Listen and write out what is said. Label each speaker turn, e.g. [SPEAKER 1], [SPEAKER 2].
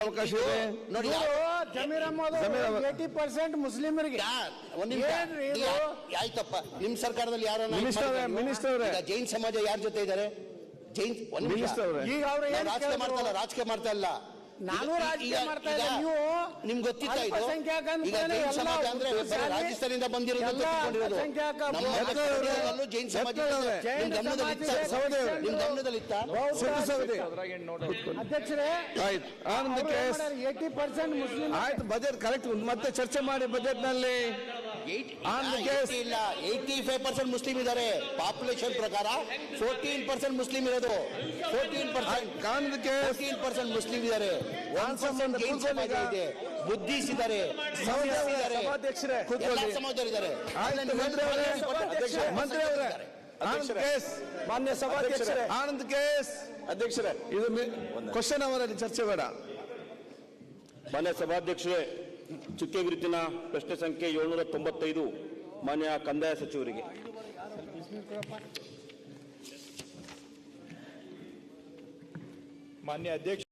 [SPEAKER 1] ಅವಕಾಶ ಇದೆ
[SPEAKER 2] ನೋಡಿ.
[SPEAKER 3] ಜಮೀರ್ ಅಹಮದ್ 80% ಮುಸ್ಲಿಮರಿಗೆ
[SPEAKER 2] ಆಯ್ತಪ್ಪ. ನಿಮ್ ಸರ್ಕಾರದಲ್ಲಿ ಯಾರು
[SPEAKER 1] ಮಿನಿಸ್ಟರ್
[SPEAKER 2] ಜೈನ್ ಸಮಾಜ ಯಾರ ಜೊತೆ ಇದ್ದಾರೆ? ಜೈನ್
[SPEAKER 3] ಈಗ ಅವ್ರು
[SPEAKER 2] ರಾಜಕೀಯ ಮಾಡ್ತಾ ಇಲ್ಲ.
[SPEAKER 3] ನಾನು ರಾಜಕೀಯ ಮಾಡ್ತಾ ಇದ್ದೆ. ನೀವು
[SPEAKER 2] ನಿಮ್ಗೆ ಗೊತ್ತಿತ್ತಾ ಇದು? ಈಗ ಜೈನ್ ಸಮಾಜ ಅಂದ್ರೆ ರಾಜಸ್ಥಾನದಿಂದ ಬಂದಿರೋದು ಜೈನ್ ಸಮಾಜ ನಿಮ್ ಗಮನದಲ್ಲಿತ್ತ?
[SPEAKER 3] ಅಧ್ಯಕ್ಷರೇ,
[SPEAKER 1] ಆನಂದ್
[SPEAKER 3] 80% ಮುಸ್ಲಿಂ.
[SPEAKER 1] ಆಯ್ತು, ಬಜೆಟ್ ಕರೆಕ್ಟ್ ಮತ್ತೆ ಚರ್ಚೆ ಮಾಡಿ. ಬಜೆಟ್ ನಲ್ಲಿ
[SPEAKER 2] ಇಲ್ಲ, 85% ಮುಸ್ಲಿಂ ಇದ್ದಾರೆ. ಪಾಪ್ಯುಲೇಷನ್ ಪ್ರಕಾರ 14% ಮುಸ್ಲಿಂ ಇರೋದು. 14% ಮುಸ್ಲಿಂ ಇದ್ದಾರೆ. 1% ಜೈನ್ ಸಮಾಜ ಇದೆ. ಬುದ್ಧಿಸ್ಟ್ ಇದ್ದಾರೆ, ಸಮಾಜದಲ್ಲಿದ್ದಾರೆ.
[SPEAKER 1] ಮಾನ್ಯ ಸಭಾಧ್ಯಕ್ಷರೇ, ಆನಂದ್ ಕೇಸ್ ಅಧ್ಯಕ್ಷರೇ, ಇದು ಕ್ವಶನ್ ಅವರಲ್ಲಿ ಚರ್ಚೆ ಬೇಡ.
[SPEAKER 4] ಮಾನ್ಯ ಸಭಾಧ್ಯಕ್ಷರೇ, ಚುಕ್ಕೆ ಗುರುತಿನ ಪ್ರಶ್ನೆ ಸಂಖ್ಯೆ 795 ಮಾನ್ಯ ಕಂದಾಯ ಸಚಿವರಿಗೆ.
[SPEAKER 5] ಮಾನ್ಯ ಅಧ್ಯಕ್ಷ